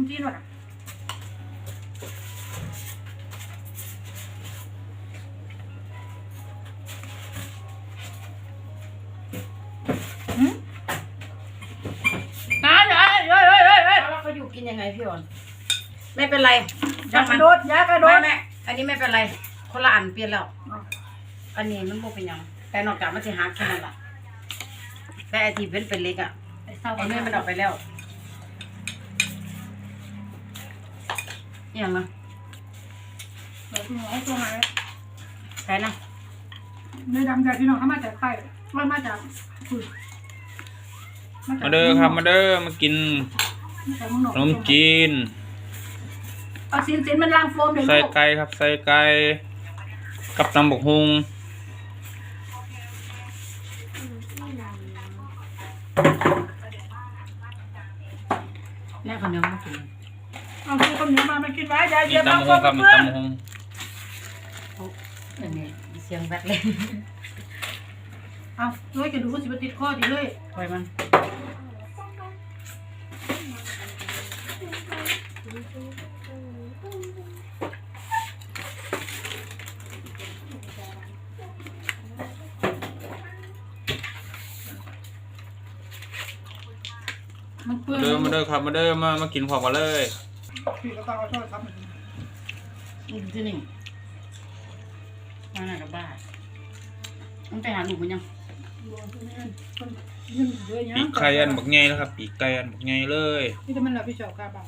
จีนว่ะแล้วเขาอยู่กินยังไงพี่อ่อนไม่เป็นไรยากระโดดยากระโดดไม่อันนี้ไม่เป็นไรคนละอันเปลี่ยนแล้วอันนี้มันบ่เป็นยังแต่นอกจากมันจะหักแค่นั้นแหละแต่ไอที่เป็นเล็กอ่ะไอ้เนื้อมันออกไปแล้วอย่างนะไอ้ตัวไหนใช่นะเนื้อดำจากพี่น้องเขามาจากไข่มันมาจากคุยมาเด้อครับมาเด้อมากินขนมจีนเอาสินมันล้างโฟมเลยใส่ลูกไก่ครับใส่ไก่กับตำบักฮุงแม่คนนึงมากินเอาคือคนนี้มากินไว้ยายมีเย็บตำมาบักฮุเพื่งอนครับมีตำบักฮุงอันนี้เสียงแวดเลยเอาด้วยกันดูสิบติดข้อดีเลยปล่อยมันมันเปื้อนมาเด้อครับมาเด้อมากินพร้อมกันเลยพี่ก็ต้องเอาช่วยครับที่นี่มาหน้ากับบ้านต้องไปหาหนูมันยังปีกไก่อันบักใหญ่แล้วครับปีกไก่อันบักใหญ่เลยนี่จะมันหลับพี่เฉาคาบัง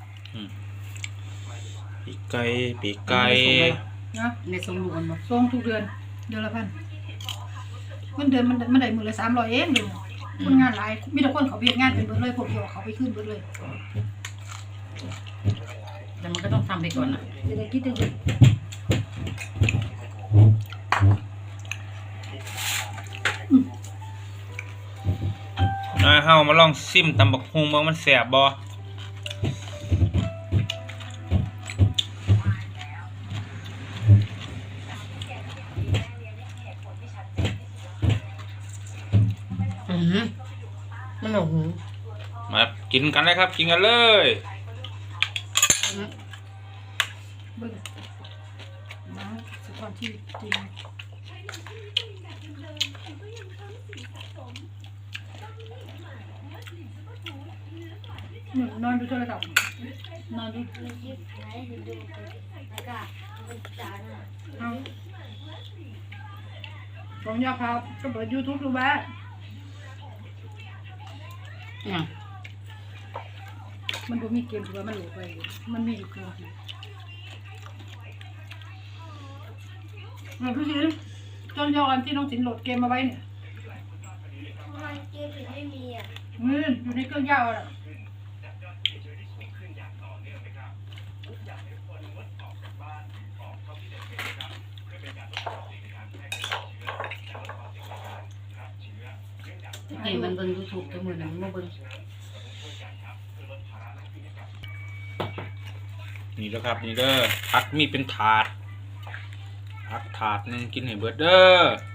ปีกไก่นะในทรงลูกมันบ่ส่งทุกเดือนละพันมันเดือนมันได้มือละ300เองเดือนคนงานหลายมีแต่คนเขาเบียดงานเป็นเบิดเลยผมเดียวเขาไปขึ้นเบิดเลยแต่มันก็ต้องทำไปก่อนนะจะได้คิดถึงเฮามาลองซิมตำบักฮุงว่ามันแซ่บบ่มันหนูหูมากินกันเลยครับกินกันเลยเบิ่งน้ำสก่อนที่จริงนอนดูโทรศัพท์นอนดูเอาผมอยากพาก็เปิด YouTube ดูบ้างเนี่ยมันดูมีเกมถือว่ามันหลุดไปมันมีอยู่เครื่องพี่ชินจนยอนที่น้องสินโหลดเกมมาไว้เนี่ยทำไมเกมถึงไม่มีอ่ะอยู่ในเครื่องยาวอ่ะนี่มันเบิ่ง YouTube ตัวมือหนึ่งมาเบิ่งนี่แล้วครับนี่เด้อผักมีเป็นถาดผักถาดหนึงกินให้เบิดเด้อ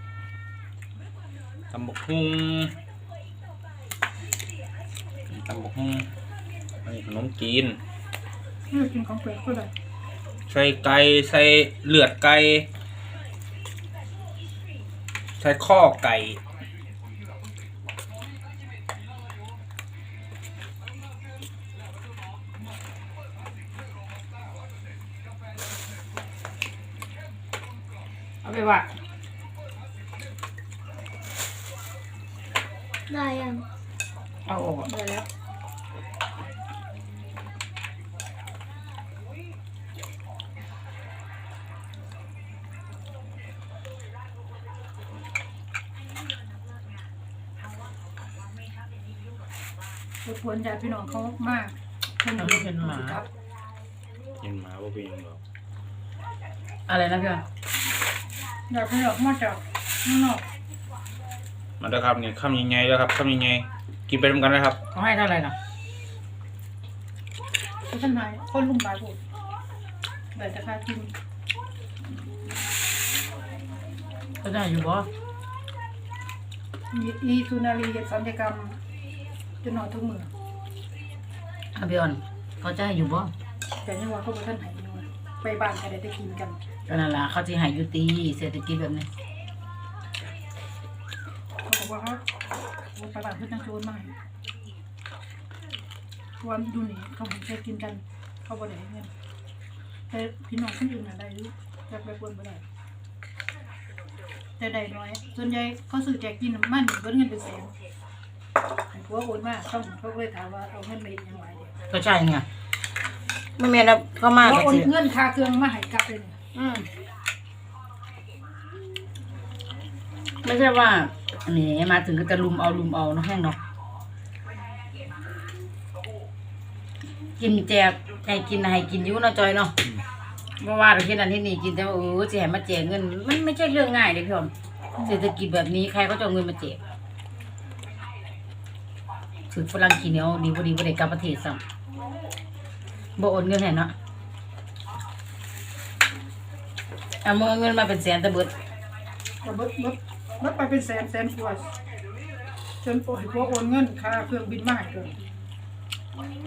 ตำบักฮุงตำบักฮุงอันนี้ขนมจีนกินของแปลกก็ได้ใส่ไก่ใส่เลือดไก่ใส่ข้อไก่เอาไปว่าได้ยังเอาออกได้แล้วควรญาติพี่น้องเขามากยินหมาว่าเป็นยังหรอกอะไรนะพี่อ่ะอยากพี่น้องมาจากข้างนอกมาเด้อครับนี่คำยังไงแล้วครับคำยังไงกินไปด้วยกันนะครับเขาให้เท่าไหร่นะท่านนายคนลุ่มหลายผมแบบจะค่ากินเขาได้อยู่บ่อีสุนารีเห็ดสัญญกรรมจนนอนทุกมืออ่ะพี่อ่อนเขาเขาจะให้อยู่บ่แต่ยังว่าเขาบ่ทันให้อยู่ไปบ้านก็ได้แต่กินกันก็นั่นล่ะเขาสิให้อยู่ตีเศรษฐกิจแบบนี้เขาบอกว่าเขาไปบ้านเพิ่นจังโจรมาให้เพราะว่าอยู่นี่เขาให้แค่กินกันเขาบ่ได้ให้เงินแต่พี่น้องคนอื่นน่ะได้อยู่จักไปคนบ่ได้แต่ได้น้อยส่วนใหญ่เขาซื้อแจกกินมันเบิดเงินเป็นแสนให้ผัวโอนมาเขาก็เลยถามว่าเอาเงินไปเฮ็ดหยังไงเด้ก็ใช่ไงไม่แม่นแล้วเข้ามาผัวก็โอนสิเงินค่าเครื่องมาให้กลับเลยเนี่ยไม่ใช่ว่านี่มาถึงก็จะลุมเอาเนาะแห้งเนาะกินแจกให้กินอยู่เนาะจอยเนาะเมื่อวานเราคิดอันที่นี่กินแต่ว่าสิให้มาแจกเงินมันไม่ใช่เรื่องง่ายเลยพี่อมเศรษฐกิจแบบนี้ใครก็จะเอาเงินมาแจกถือฝรั่งขี้เหนียวดีบ่ได้กลับประเทศซ้ำบ่โอนเงินให้เนาะเอาเงินมาเป็นแสนแต่เบิดก็เบิดไปเป็นแสนกว่าจนให้ผัวโอนเงินค่าเครื่องบินมาให้เกิน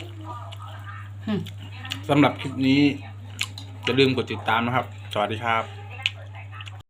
สำหรับคลิปนี้อย่าลืมกดติดตามนะครับ สวัสดีครับ